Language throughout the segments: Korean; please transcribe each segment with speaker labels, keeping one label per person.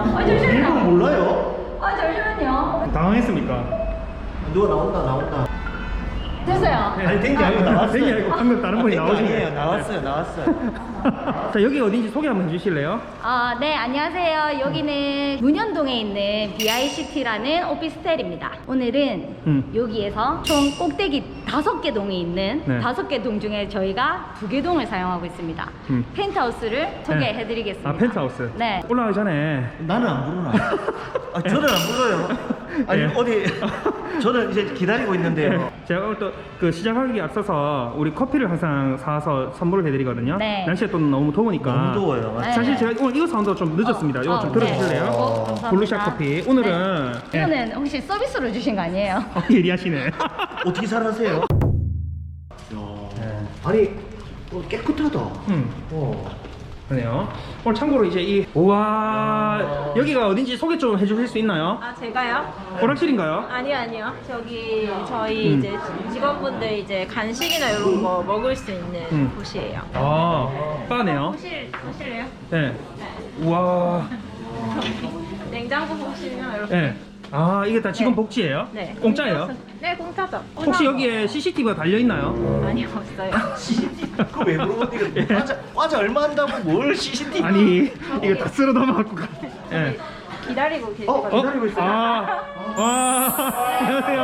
Speaker 1: 일본
Speaker 2: 잠시만요.
Speaker 1: 몰라요?
Speaker 2: 잠시만요.
Speaker 3: 당황했습니까?
Speaker 1: 누가 나온다.
Speaker 2: 됐어요.
Speaker 1: 아니 된 게 아니고 나왔어요.
Speaker 3: 된게 아니고 방금 다른 분이 나오신
Speaker 1: 아니에요.
Speaker 3: 거예요.
Speaker 1: 나왔어요.
Speaker 3: 자, 여기 어딘지 소개 한번 해주실래요?
Speaker 2: 네, 안녕하세요. 여기는 문현동에 있는 BICT라는 오피스텔입니다. 오늘은 여기에서 총 꼭대기 5개 동이 있는
Speaker 3: 네.
Speaker 2: 5개 동 중에 저희가 2개 동을 사용하고 있습니다. 펜트하우스를 소개해드리겠습니다.
Speaker 3: 아, 펜트하우스.
Speaker 2: 네.
Speaker 3: 올라가기 전에
Speaker 1: 나는 안 부르나? 저는 안 불러요. 아니
Speaker 3: 예.
Speaker 1: 어디 저는 이제 기다리고 있는데요.
Speaker 3: 제가 오늘 또 그 시작하기 앞서서 우리 커피를 항상 사서 선물을 해드리거든요.
Speaker 2: 네.
Speaker 3: 날씨가 또 너무 더우니까.
Speaker 1: 너무 더워요.
Speaker 2: 네.
Speaker 3: 사실 제가 오늘 이거 사온다고 좀 늦었습니다. 이거 좀
Speaker 2: 네.
Speaker 3: 들어주실래요?
Speaker 2: 감사합니다.
Speaker 3: 블루샷 커피. 오늘은
Speaker 2: 네. 이거는 혹시 서비스로 주신 거 아니에요?
Speaker 3: 예리하시네.
Speaker 1: 어떻게 살아세요? 아니 깨끗하다.
Speaker 3: 그러네요. 오늘 참고로 이제 이 우와 여기가 어딘지 소개 좀 해주실 수 있나요?
Speaker 4: 아 제가요?
Speaker 3: 오락실인가요?
Speaker 4: 아니요. 저기 저희 이제 직원분들 이제 간식이나 이런 거 먹을 수 있는 곳이에요.
Speaker 3: 아 바네요.
Speaker 4: 보실래요?
Speaker 3: 네. 우와.
Speaker 4: 냉장고 보시면 이렇게.
Speaker 3: 네. 아 이게 다 직원 복지예요?
Speaker 4: 네.
Speaker 3: 공짜예요?
Speaker 4: 네, 공짜죠.
Speaker 3: 혹시 여기에 CCTV가 달려 있나요?
Speaker 4: 아니요, 없어요.
Speaker 1: 그거 왜 물어보니까 과자 얼마 한다고 뭘 CCTV?
Speaker 3: 아니 이거 다 쓸어 담아갖고 가. 예.
Speaker 4: 기다리고 계시거든요.
Speaker 1: 기다리고 있어요.
Speaker 3: 와 안녕하세요.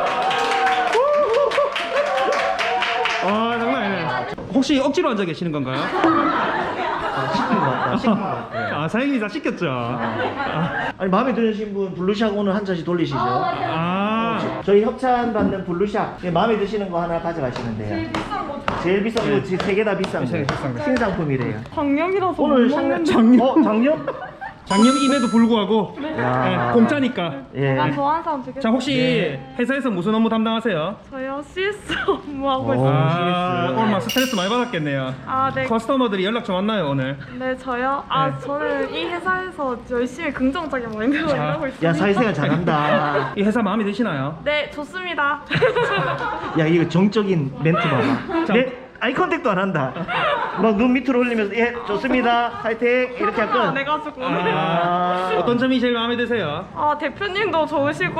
Speaker 3: 와 장난 아니네. 혹시 억지로 앉아 계시는 건가요?
Speaker 1: 시킨 것 같다.
Speaker 3: 아 사장님이 다 시켰죠.
Speaker 1: 아니 마음에 드신 분 블루샷 오늘 한 잔씩 돌리시죠.
Speaker 3: 아
Speaker 1: 저희 협찬 받는 블루샷 마음에 드시는 거 하나 가져가시면 돼요. 제일 비싼 거 3개 다 비싼 거.
Speaker 3: 제일 비싼 거.
Speaker 1: 신상품이래요.
Speaker 4: 작년이라서
Speaker 1: 오늘 작년? 작년?
Speaker 3: 작년임에도 불구하고
Speaker 1: 야.
Speaker 3: 예, 공짜니까.
Speaker 1: 예.
Speaker 4: 좋아하는 사람 되게.
Speaker 3: 자 혹시 회사에서 무슨 업무 담당하세요?
Speaker 4: 저요 CS 업무하고
Speaker 1: 오.
Speaker 3: 아
Speaker 1: CS.
Speaker 3: 오늘 막 스트레스 많이 받았겠네요.
Speaker 4: 아 네.
Speaker 3: 커스터머들이 연락 좀 왔나요 오늘?
Speaker 4: 네 저요.
Speaker 3: 네.
Speaker 4: 저는 이 회사에서 열심히 긍정적인 마인드로 일하고 있습니다.
Speaker 1: 야 사회생활 잘한다.
Speaker 3: 이 회사 마음에 드시나요?
Speaker 4: 네 좋습니다.
Speaker 1: 야 이거 정적인 멘트 봐봐.
Speaker 3: 자.
Speaker 1: 내 아이 컨택도 안 한다. 막 눈 밑으로 올리면서 예 좋습니다 화이팅 이렇게 할
Speaker 4: 안
Speaker 1: 건.
Speaker 4: 해가지고.
Speaker 3: 어떤 점이 제일 마음에 드세요?
Speaker 4: 대표님도 좋으시고.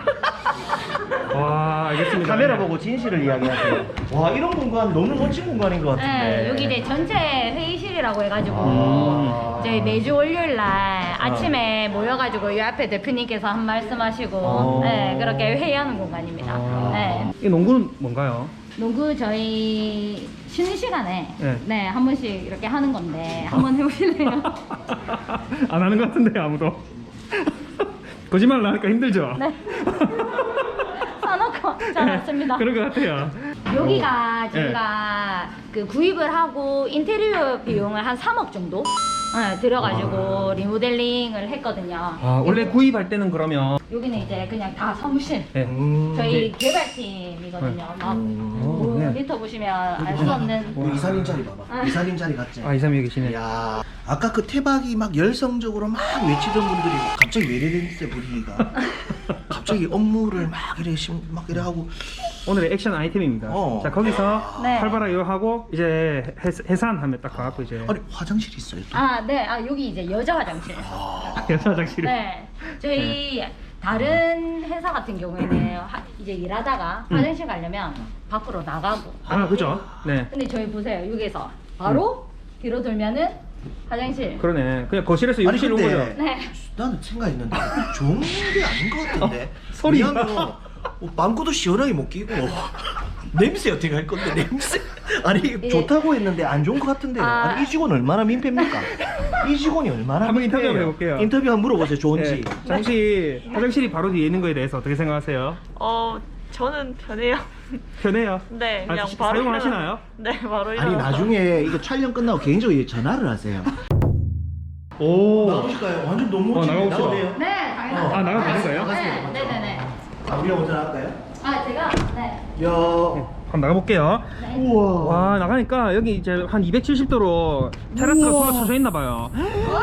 Speaker 3: 와 알겠습니다.
Speaker 1: 카메라 보고 진실을 이야기하세요. 와 이런 공간 너무 멋진 공간인 것 같은데.
Speaker 2: 네, 여기 이제 전체 회의실이라고 해가지고 저희 매주 월요일 날 아침에 모여가지고 이 앞에 대표님께서 한 말씀하시고 네, 그렇게 회의하는 공간입니다. 네.
Speaker 3: 이 농구는 뭔가요?
Speaker 2: 농구 저희 쉬는 시간에
Speaker 3: 네.
Speaker 2: 한 번씩 이렇게 하는 건데 한번 해보실래요?
Speaker 3: 안 하는 것 같은데 아무도. 거짓말 나니까 힘들죠?
Speaker 2: 네. 사놓고 잘 왔습니다.
Speaker 3: 그런 것 같아요.
Speaker 2: 여기가 저희가 그 구입을 하고 인테리어 비용을 한 3억 정도 들어가지고 리모델링을 했거든요.
Speaker 3: 아 원래 구입할 때는 그러면
Speaker 2: 여기는 이제 그냥 다 사무실.
Speaker 3: 네.
Speaker 2: 저희 개발팀이거든요. 막 모니터 보시면 알 수 없는.
Speaker 1: 이사님 자리 봐봐. 이사님 자리 같지?
Speaker 3: 아 이사님이 계시네.
Speaker 1: 야 아까 그 태박이 막 열성적으로 막 외치던 분들이 갑자기 왜 이래 됐어요 분위기가. 갑자기 업무를 막 이래 하고.
Speaker 3: 오늘의 액션 아이템입니다. 자 거기서
Speaker 2: 네.
Speaker 3: 활발하게 하고 이제 해산하면 딱 가갖고 이제
Speaker 1: 아니 화장실 있어요 또.
Speaker 2: 네. 여기 이제 여자 화장실.
Speaker 3: 여자 화장실이.
Speaker 2: 네. 저희 다른 회사 같은 경우에는 이제 일하다가 화장실 가려면 밖으로 나가고.
Speaker 3: 아 그죠? 네.
Speaker 2: 근데 저희 보세요. 여기서 바로 뒤로 돌면은 화장실.
Speaker 3: 그러네. 그냥 거실에서
Speaker 1: 아니
Speaker 3: 욕실 온 거죠.
Speaker 1: 근데
Speaker 2: 네.
Speaker 1: 나는 생각했는데 좋은 게 아닌 것 같은데.
Speaker 3: 소리가.
Speaker 1: 왜냐면 빵꾸도 시원하게 못 끼고 냄새 어떻게 할 건데 냄새. 아니 좋다고 했는데 안 좋은 것 같은데요. 아니 이 직원 얼마나 민폐입니까? 이 직원이 얼마나
Speaker 3: 한번 인터뷰
Speaker 1: 민폐예요?
Speaker 3: 한번 해볼게요.
Speaker 1: 인터뷰 한번 물어보세요. 좋은지.
Speaker 3: 네. 자, 혹시 화장실이 바로 뒤에 있는 거에 대해서 어떻게 생각하세요?
Speaker 4: 저는 편해요.
Speaker 3: 편해요?
Speaker 4: 네, 그냥
Speaker 3: 아,
Speaker 4: 바로
Speaker 3: 사용을 하시나요?
Speaker 4: 네, 바로
Speaker 1: 아니 나중에 이거 촬영 끝나고 개인적으로 전화를 하세요.
Speaker 3: 오.
Speaker 1: 나가보실까요? 완전 너무 멋지네.
Speaker 3: 나가봅시다.
Speaker 1: 나가네요.
Speaker 2: 네, 당연하죠.
Speaker 3: 아 나가도 되는 거예요?
Speaker 2: 네, 네네네.
Speaker 1: 우리가 먼저 나갈까요?
Speaker 2: 제가 네.
Speaker 1: 야.
Speaker 3: 한번 나가볼게요.
Speaker 1: 우와.
Speaker 3: 와 나가니까 여기 이제 한 270도로 테라스가
Speaker 1: 우와.
Speaker 3: 둘러쳐져 있나 봐요.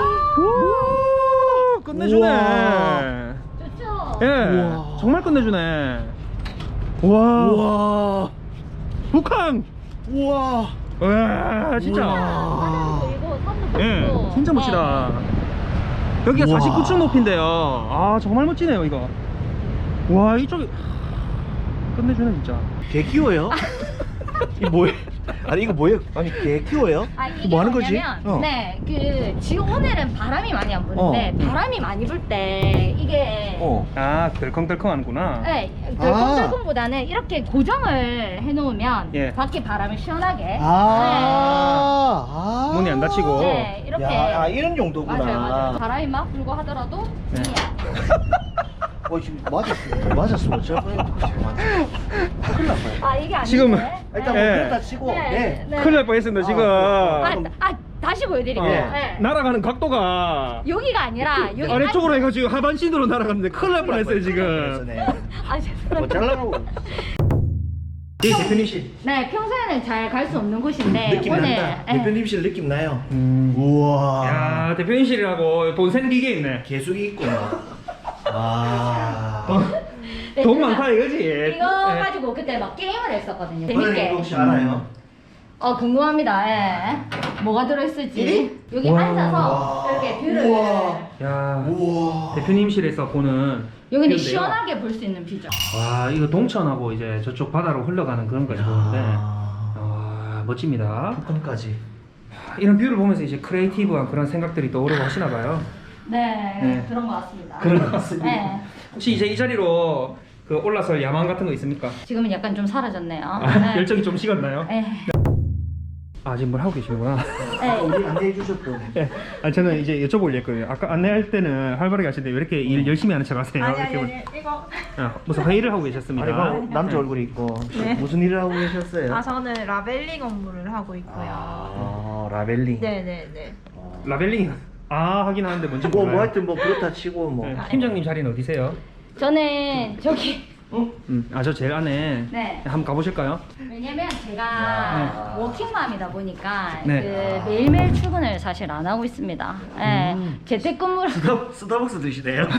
Speaker 3: 오, 끝내주네.
Speaker 1: 우와.
Speaker 2: 좋죠.
Speaker 3: 예,
Speaker 1: 우와.
Speaker 3: 정말 끝내주네. 와,
Speaker 1: 우와.
Speaker 3: 북한.
Speaker 1: 우와.
Speaker 3: 와, 진짜.
Speaker 1: 우와.
Speaker 2: 이거 사진
Speaker 3: 예,
Speaker 2: 보고.
Speaker 3: 진짜 멋지다. 여기가
Speaker 1: 우와.
Speaker 3: 49층 높이인데요. 아 정말 멋지네요 이거. 와 이쪽이 끝내주네 진짜.
Speaker 1: 개 키워요? 이 뭐예요? 아니 이거 뭐예요? 아니 개 키워요?
Speaker 2: 아, 이게
Speaker 1: 뭐 하는 거지?
Speaker 2: 뭐냐면, 네, 그 지금 오늘은 바람이 많이 안 부는데 바람이 많이 불 때 이게
Speaker 3: 아 덜컹덜컹 하는구나.
Speaker 2: 네, 덜컹덜컹보다는 이렇게 고정을 해놓으면
Speaker 3: 예.
Speaker 2: 밖에 바람을 시원하게.
Speaker 1: 아,
Speaker 3: 문이 안 닫히고.
Speaker 2: 네, 이렇게.
Speaker 1: 야, 아, 이런 용도구나.
Speaker 2: 맞아요, 맞아요. 바람이 막 불고 하더라도
Speaker 3: 네.
Speaker 1: 지금 맞았어. 제가 큰일 났어요.
Speaker 2: 아 이게 아닌데.
Speaker 3: 지금
Speaker 1: 일단 뭐
Speaker 3: 예.
Speaker 1: 그렇다 치고 네.
Speaker 3: 큰일 날 뻔했습니다 지금.
Speaker 2: 다시 보여드릴게요.
Speaker 1: 예.
Speaker 2: 네.
Speaker 3: 날아가는 각도가
Speaker 2: 여기가 아니라 여기
Speaker 3: 아래쪽으로 해가지고 하반신으로 날아갔는데 큰일 날 뻔했어요 지금.
Speaker 1: 네.
Speaker 2: 아 죄송합니다.
Speaker 1: 뭐 잘라고. 예, 대표님실
Speaker 2: 네, 평소에는 잘 갈 수 없는 곳인데
Speaker 1: 느낌
Speaker 2: 오늘
Speaker 1: 난다.
Speaker 2: 예.
Speaker 1: 대표님실 느낌 나요. 우와.
Speaker 3: 야 대표님실이라고 돈 센 기계 있네.
Speaker 1: 개수기 있고. 아.
Speaker 2: 네,
Speaker 3: 돈
Speaker 2: 제가
Speaker 3: 많다 이거지.
Speaker 2: 이거
Speaker 3: 예.
Speaker 2: 가지고 그때 막 게임을 했었거든요.
Speaker 1: 오늘
Speaker 2: 재밌게.
Speaker 1: 이거 혹시 알아요?
Speaker 2: 궁금합니다. 예. 뭐가 들어있을지.
Speaker 1: 이리?
Speaker 2: 여기
Speaker 3: 와.
Speaker 2: 앉아서 이렇게 뷰를
Speaker 3: 야
Speaker 1: 우와.
Speaker 3: 대표님실에서 보는
Speaker 2: 여기는
Speaker 3: 뷰인데요.
Speaker 2: 시원하게 볼 수 있는 뷰죠.
Speaker 3: 와 이거 동천하고 이제 저쪽 바다로 흘러가는 그런 거지 보는데
Speaker 1: 아.
Speaker 3: 와 멋집니다.
Speaker 1: 북한까지.
Speaker 3: 이런 뷰를 보면서 이제 크리에이티브한 그런 생각들이 떠오르고 하시나 봐요.
Speaker 2: 네,
Speaker 3: 네.
Speaker 2: 그런 것 같습니다.
Speaker 1: 그런 것 같습니다.
Speaker 2: 네.
Speaker 3: 혹시 이제 이 자리로 그 올라설 야망 같은 거 있습니까?
Speaker 2: 지금은 약간 좀 사라졌네요.
Speaker 3: 아,
Speaker 2: 네.
Speaker 3: 열정이 좀 식었나요?
Speaker 2: 네.
Speaker 3: 아 지금 뭘 하고 계시구나.
Speaker 2: 네.
Speaker 1: 우리 안내해 주셨던.
Speaker 3: 네. 아 저는 이제 여쭤보려고 했거든요. 아까 안내할 때는 활발하게 하시는데 왜 이렇게 일 열심히 하는 척 하세요? 이렇게
Speaker 4: 이거.
Speaker 3: 무슨 회의를 하고 계셨습니다.
Speaker 1: 아니 뭐 남자 얼굴이 있고
Speaker 4: 네.
Speaker 1: 무슨 일을 하고 계셨어요?
Speaker 4: 아 저는 라벨링 업무를 하고 있고요.
Speaker 1: 라벨링.
Speaker 4: 네네네.
Speaker 3: 라벨링 하긴 하는데 뭔지
Speaker 1: 뭐
Speaker 3: 몰라요.
Speaker 1: 하여튼 뭐 그렇다 치고 뭐.
Speaker 3: 네. 팀장님 자리는 어디세요?
Speaker 2: 저는 저기
Speaker 3: 저 제일 안에
Speaker 2: 네.
Speaker 3: 한번 가보실까요?
Speaker 2: 왜냐면 제가 워킹맘이다 보니까
Speaker 3: 네.
Speaker 2: 그 매일매일 출근을 사실 안 하고 있습니다. 네. 재택근무를
Speaker 1: 스타벅스 드시네요.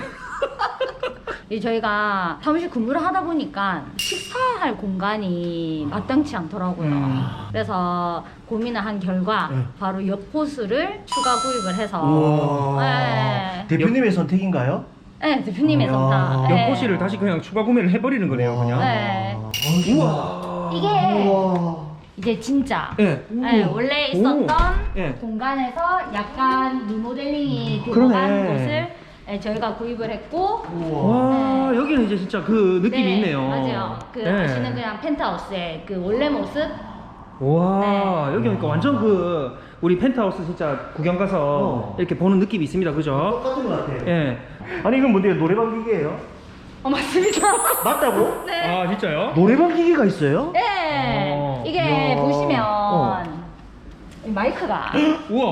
Speaker 2: 이 저희가 사무실 근무를 하다 보니까 식사할 공간이 마땅치 않더라고요. 그래서 고민을 한 결과 바로 옆호수를 추가 구입을 해서
Speaker 1: 우와.
Speaker 2: 네.
Speaker 1: 대표님의 선택인가요?
Speaker 2: 네, 대표님의
Speaker 1: 이야.
Speaker 2: 선택. 네.
Speaker 3: 연포실을 다시 그냥 추가 구매를 해버리는 거네요, 그냥.
Speaker 2: 네.
Speaker 1: 우와.
Speaker 2: 이게
Speaker 1: 우와.
Speaker 2: 이제 진짜
Speaker 3: 네.
Speaker 2: 네, 원래 있었던
Speaker 3: 네.
Speaker 2: 공간에서 약간 리모델링이
Speaker 3: 그러네.
Speaker 2: 들어간 곳을 네, 저희가 구입을 했고
Speaker 3: 와, 여기는 이제 진짜 그 느낌이
Speaker 2: 네,
Speaker 3: 있네요.
Speaker 2: 맞아요. 그
Speaker 3: 네.
Speaker 2: 아시는 그냥 펜트하우스의 그 원래 모습.
Speaker 3: 와,
Speaker 2: 네.
Speaker 3: 여기 오니까 완전 그 우리 펜트하우스 진짜 구경 가서 이렇게 보는 느낌이 있습니다, 그죠?
Speaker 1: 똑같은 것 같아요.
Speaker 3: 예.
Speaker 1: 아니 이건 뭔데요? 노래방 기계예요?
Speaker 2: 맞습니다.
Speaker 1: 맞다고?
Speaker 2: 네.
Speaker 3: 아, 진짜요?
Speaker 1: 노래방 기계가 있어요?
Speaker 2: 네. 이게
Speaker 1: 이야.
Speaker 2: 보시면
Speaker 1: 어.
Speaker 2: 이 마이크가
Speaker 3: 우와.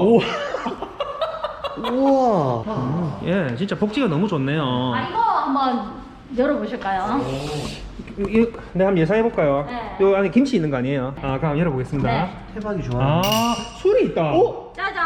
Speaker 1: 우와.
Speaker 3: 예, 진짜 복지가 너무 좋네요.
Speaker 2: 이거 한번 열어보실까요?
Speaker 3: 네, 한번 예상해볼까요?
Speaker 2: 네.
Speaker 3: 요 안에 김치 있는 거 아니에요? 그럼 열어보겠습니다.
Speaker 2: 네.
Speaker 1: 태박이 좋아.
Speaker 3: 아, 술이 있다.
Speaker 2: 짜잔.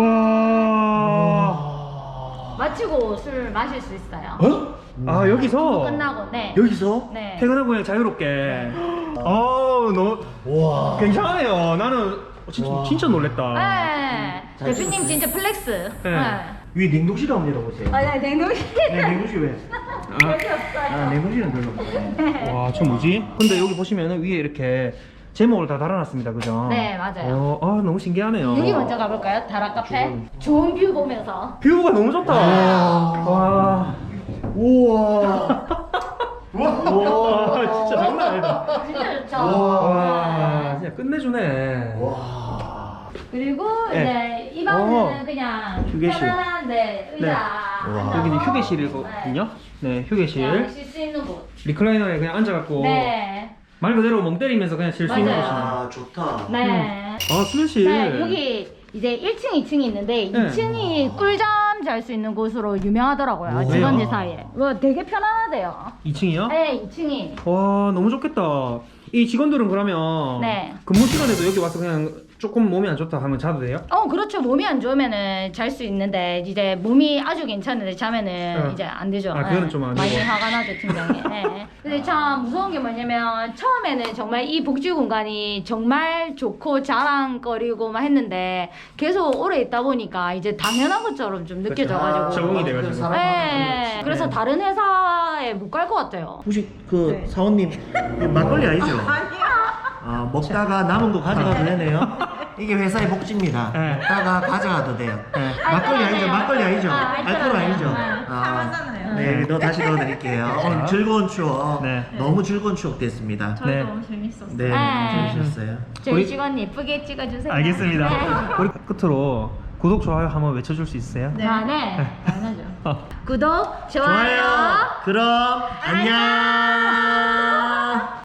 Speaker 3: 우와.
Speaker 2: 마치고 술 마실 수 있어요.
Speaker 3: 아, 여기서
Speaker 2: 끝나고 네.
Speaker 1: 여기서?
Speaker 2: 네.
Speaker 3: 퇴근하고 그냥 자유롭게. 너무
Speaker 1: 와.
Speaker 3: 괜찮아요. 나는
Speaker 1: 와.
Speaker 3: 진짜 놀랬다.
Speaker 2: 네.
Speaker 1: 잘
Speaker 2: 대표님
Speaker 1: 찍었네.
Speaker 2: 진짜 플렉스.
Speaker 3: 네.
Speaker 1: 위 냉동실 한번 열어보세요.
Speaker 2: 네, 냉동실.
Speaker 1: 네, 냉동실 왜?
Speaker 2: 여기 없어요.
Speaker 1: 냉동실은 별로 없네.
Speaker 3: 와, 저 뭐지? 근데 여기 보시면은 위에 이렇게 제목을 다 달아놨습니다, 그죠?
Speaker 2: 네, 맞아요.
Speaker 3: 너무 신기하네요.
Speaker 2: 여기 먼저 가볼까요? 다락 카페. 좋은 뷰 보면서.
Speaker 3: 뷰가 너무 좋다. 와.
Speaker 1: 우와.
Speaker 3: 와, 진짜 장난 아니다.
Speaker 2: 진짜 좋죠.
Speaker 3: 와, 진짜 끝내주네.
Speaker 2: 그리고
Speaker 3: 네.
Speaker 2: 이제 이 방은 그냥
Speaker 1: 휴게실.
Speaker 2: 편안한 의자.
Speaker 1: 와.
Speaker 3: 여기는 휴게실이거든요. 네, 휴게실.
Speaker 2: 쉴수 있는 곳.
Speaker 3: 리클라이너에 그냥 앉아갖고
Speaker 2: 네.
Speaker 3: 말 그대로 멍 때리면서 그냥 쉴 수 있는
Speaker 2: 맞아요.
Speaker 3: 곳이네.
Speaker 1: 아, 좋다.
Speaker 2: 네.
Speaker 3: 수면실.
Speaker 2: 네, 여기 이제 1층, 2층이 있는데
Speaker 3: 네.
Speaker 2: 2층이 꿀잠 잘 수 있는 곳으로 유명하더라고요.
Speaker 3: 오.
Speaker 2: 직원들
Speaker 3: 왜요?
Speaker 2: 사이에. 되게 편안하대요.
Speaker 3: 2층이요?
Speaker 2: 네, 2층이.
Speaker 3: 와, 너무 좋겠다. 이 직원들은 그러면
Speaker 2: 네.
Speaker 3: 근무 시간에도 여기 와서 그냥 조금 몸이 안 좋다 하면 자도 돼요?
Speaker 2: 그렇죠. 몸이 안 좋으면은 잘 수 있는데 이제 몸이 아주 괜찮은데 자면은 이제 안 되죠.
Speaker 3: 그거는 좀 안 되고.
Speaker 2: 많이 화가 나죠, 팀장이. 근데 참 무서운 게 뭐냐면 처음에는 정말 이 복지 공간이 정말 좋고 자랑거리고 막 했는데 계속 오래 있다 보니까 이제 당연한 것처럼 좀 느껴져가지고.
Speaker 3: 적응이 돼가지고.
Speaker 2: 네. 그래서 다른 회사에 못 갈 것 같아요.
Speaker 1: 혹시 그 사원님 이거 막걸리 아니죠? 아, 먹다가 남은 거 가져가도 되네요. 이게 회사의 복지입니다.
Speaker 3: 네.
Speaker 1: 먹다가 가져가도 돼요.
Speaker 2: 알코올
Speaker 1: 막걸리 아니죠?
Speaker 2: 아니에요.
Speaker 1: 막걸리 아니죠?
Speaker 2: 알코올
Speaker 1: 알코올 아니죠?
Speaker 2: 아니에요.
Speaker 4: 사과잖아요.
Speaker 1: 네, 다시 넣어드릴게요. 오늘 즐거운 추억,
Speaker 3: 네.
Speaker 1: 너무 즐거운 추억 됐습니다.
Speaker 4: 저희도
Speaker 3: 네.
Speaker 4: 너무 재밌었어요.
Speaker 1: 네,
Speaker 2: 네.
Speaker 1: 재밌었어요.
Speaker 2: 저희
Speaker 3: 우리-
Speaker 2: 직원 예쁘게 찍어주세요.
Speaker 3: 알겠습니다.
Speaker 2: 네.
Speaker 3: 우리 끝으로 구독, 좋아요 한번 외쳐줄 수 있어요?
Speaker 4: 네.
Speaker 2: 네. 당연하죠. 구독,
Speaker 1: 좋아요. 그럼 안녕.